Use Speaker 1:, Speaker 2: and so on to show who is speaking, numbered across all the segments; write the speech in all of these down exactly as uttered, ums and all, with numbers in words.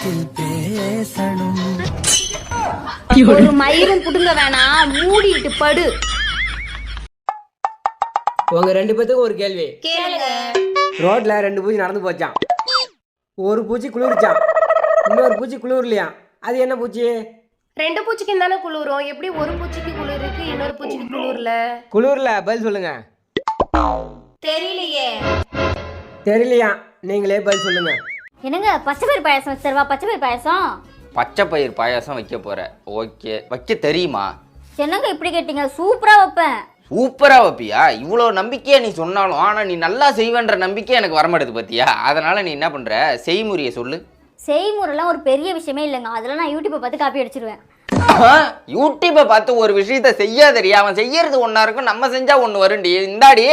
Speaker 1: வீட்டில் பேசணும்.
Speaker 2: ஒரு மயிரும் புடுங்க வேணாம், மூடிட்டு படு.
Speaker 3: உங்க ரெண்டு பேத்துக்கும் ஒரு கேள்வி
Speaker 2: கேளுங்க.
Speaker 3: ரோட்ல ரெண்டு பூச்சி நடந்து போச்சான். ஒரு பூச்சி குளிர்ச்சான், இன்னொரு பூச்சி குளிர்லையா. அது என்ன பூச்சி?
Speaker 2: ரெண்டு பூச்சிக்கு தானே குளிரும். எப்படி ஒரு பூச்சிக்கு குளிர் இருக்கு, இன்னொரு பூச்சிக்கு குளிர்ல?
Speaker 3: குளிர்ல. பதில் சொல்லுங்க.
Speaker 2: தெரியலையே.
Speaker 3: தெரியலையா? நீங்களே பதில் சொல்லுங்க.
Speaker 4: என்னங்க பச்சை பயிர் பாயாசம் வச்சிருவா? பச்சை பயிர் பாயாசம்
Speaker 5: பச்சை பயிர் பாயாசம் வைக்க போற? ஓகே, வைக்க தெரியுமா?
Speaker 4: என்னங்க இப்படி கேட்டீங்க? சூப்பரா வைப்பேன்.
Speaker 5: சூப்பரா வைப்பியா? இவ்வளோ நம்பிக்கையா நீ சொன்னாலும் ஆனா நீ நல்லா செய்வேன்ற நம்பிக்கை எனக்கு வரமாட்டேது பத்தியா? அதனால நீ என்ன பண்ற, செய்முறையை சொல்லு.
Speaker 4: செய்முறைலாம் ஒரு பெரிய விஷயமே இல்லைங்க. அதெல்லாம் நான் யூடியூப்பை பார்த்து காப்பி அடிச்சிருவேன்.
Speaker 5: யூடியூப்பை பார்த்து ஒரு விஷயத்த செய்யாதறியா? அவன் செய்யறது ஒன்னா இருக்கும், நம்ம செஞ்சா ஒண்ணு வரும்டி. இந்தாடி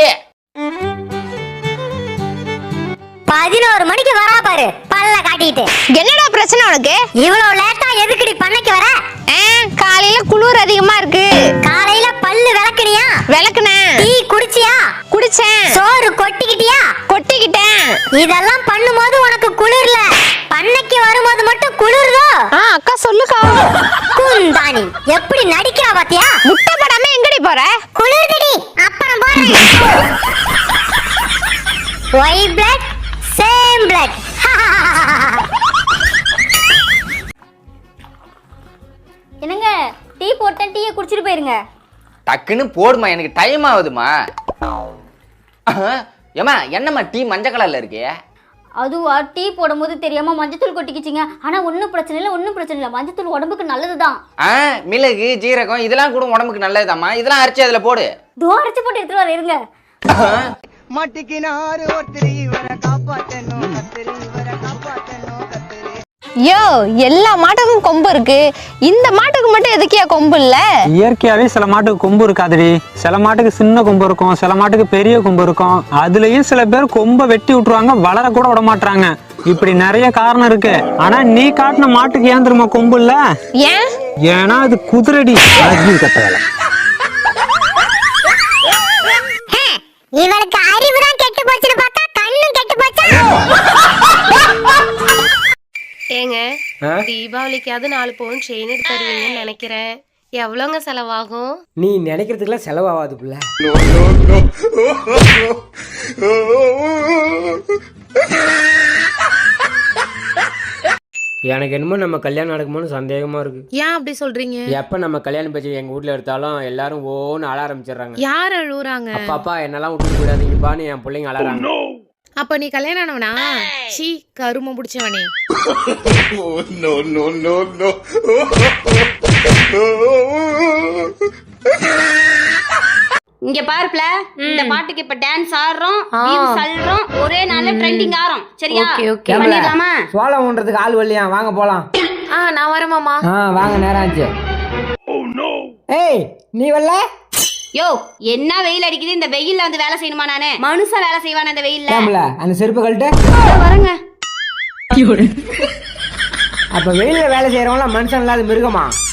Speaker 4: பதினோரு மணிக்கு வரா பாரு, பல்ல காட்டிட்டு.
Speaker 6: என்னடா பிரச்சனை உனக்கு?
Speaker 4: இவ்வளவு லேட்டா எதுக்குடி பண்ணைக்கு வர?
Speaker 6: காலையில குளிர் அதிகமா இருக்கு.
Speaker 4: காலையில பல்லு விளக்குனியா?
Speaker 6: விளக்குனேன்.
Speaker 4: டீ குடிச்சியா?
Speaker 6: குடிச்சேன்.
Speaker 4: சோறு கொட்டிக்கிட்டியா?
Speaker 6: கொட்டிக்கிட்டேன்.
Speaker 4: இதெல்லாம் பண்ணும்போது உனக்கு குளிர்ல, பண்ணைக்கு வரும்போது மட்டும் குளிர்தோ?
Speaker 6: ஆ அக்கா சொல்லுக்கா.
Speaker 4: குந்தாணி எப்படி நடிக்கிறா பாத்தியா?
Speaker 6: முட்டை படாம எங்கடி போற?
Speaker 4: குளிர்தடி, அப்புறம் போறேன். White blood same blood. என்னங்க டீ போட்டேன், டீயை குடிச்சிட்டு போயிருங்க.
Speaker 5: டக்குன்னு போடுமா, எனக்கு டைம் ஆகுதுமா. ஏமா என்னம்மா டீ மஞ்சள் கலர்ல இருக்கே?
Speaker 4: அதுவா, டீ போடும்போது தெரியாம மஞ்சத்தூள் கொட்டிக்கிச்சிங்க. ஆனா ஒன்றும் பிரச்சனை இல்லை, ஒன்றும் பிரச்சனை இல்லை. மஞ்சத்தூள் உடம்புக்கு நல்லதுதான்.
Speaker 5: ஆ மிளகு ஜீரகம் இதெல்லாம் கூட உடம்புக்கு நல்லதுதாம்மா. இதெல்லாம் அரைச்சி அதுல போடு.
Speaker 4: தோ அரைச்சி போட்டு எடுத்துட்டு வர இருங்க.
Speaker 1: மாட்டிக்கினாரு ஒருத்தர் இவரை காப்பாத்தணும் கத்திரி, இவரை காப்பாத்தணும் கத்திரி.
Speaker 6: யோ, எல்லா மாட்டுக்கும் கொம்பு இருக்கு, இந்த மாட்டுக்கு மட்டும் எதுக்கியா கொம்பு இல்ல?
Speaker 7: இயற்கையாவே சில மாட்டுக்கு கொம்பு இருக்காதுடி. சில மாட்டுக்கு சின்ன கொம்பு இருக்கும், சில மாட்டுக்கு பெரிய கொம்பு இருக்கும். அதுலயும் சில பேர் கொம்பை வெட்டி விட்டுருவாங்க, வளர கூட விட மாட்டாங்க. இப்படி நிறைய காரணம் இருக்கு. ஆனா நீ காட்டின மாட்டுக்கு ஏன் தெரியுமா கொம்பு இல்ல?
Speaker 6: ஏன்?
Speaker 7: ஏன்னா அது குதிரடி. கட்ட வேலை.
Speaker 4: இவளுக்கு அறிவுதான் கெட்டு போச்சுன்னு பார்த்தா கண்ணும் கெட்டு போச்சா?
Speaker 2: ஏங்க, தீபாவளிக்காவது நாலு பவுன் செயின் எடுத்து தருவீங்கன்னு நினைக்கிறேன். எவ்வளோங்க செலவாகும்?
Speaker 3: நீ நினைக்கிறதுக்குலாம் செலவாகாது புள்ள. எனக்கு என்னமோ நம்ம கல்யாணம் நடக்குமோன்னு சந்தேகமா இருக்கு.
Speaker 2: ஏன் அப்படி சொல்றீங்க?
Speaker 3: எப்ப நம்ம கல்யாணம் பேச்சு எங்க வீட்ல எடுத்தாலும் எல்லாரும் ஓன்னு அழ ஆரம்பிச்சிடுறாங்க.
Speaker 2: யார் அழுவுறாங்க?
Speaker 3: அப்பாப்பா என்னெல்லாம் விட்டு போயிடாதீங்கப்பான்னு என் பிள்ளைங்க அழறாங்க.
Speaker 2: அப்ப நீ கல்யாணம் ஆனவனா? சீ, கரும முடிச்சவனே. இங்க பாருப்ல, இந்த பாட்டுக்கு இப்ப டான்ஸ் ஆடுறோம், வியூஸ் அள்ளுறோம், ஒரே நாள்ல ட்ரெண்டிங் ஆறோம். சரியா? பண்ணிடலாமா?
Speaker 3: சோளம் ஊன்றதுக்கு ஆள் வரலையா? வாங்க போலாம்.
Speaker 2: ஆ நான் வரேன் மாமா.
Speaker 3: ஆ வாங்க, நேரம் ஆச்சு. ஏய் நீ வரல?
Speaker 2: யோ, என்ன வெயில் அடிக்குது, இந்த வெயில்ல வந்து வேலை செய்யணுமா? நானே மனுஷன் வேலை செய்வானே இந்த வெயில்ல.
Speaker 3: கேம்ல அந்த செருப்பு கழட்டு.
Speaker 2: வரேங்க.
Speaker 3: அப்ப வெயில்ல வேலை செய்யறவங்க மனுஷன் இல்லாத மிருகமா?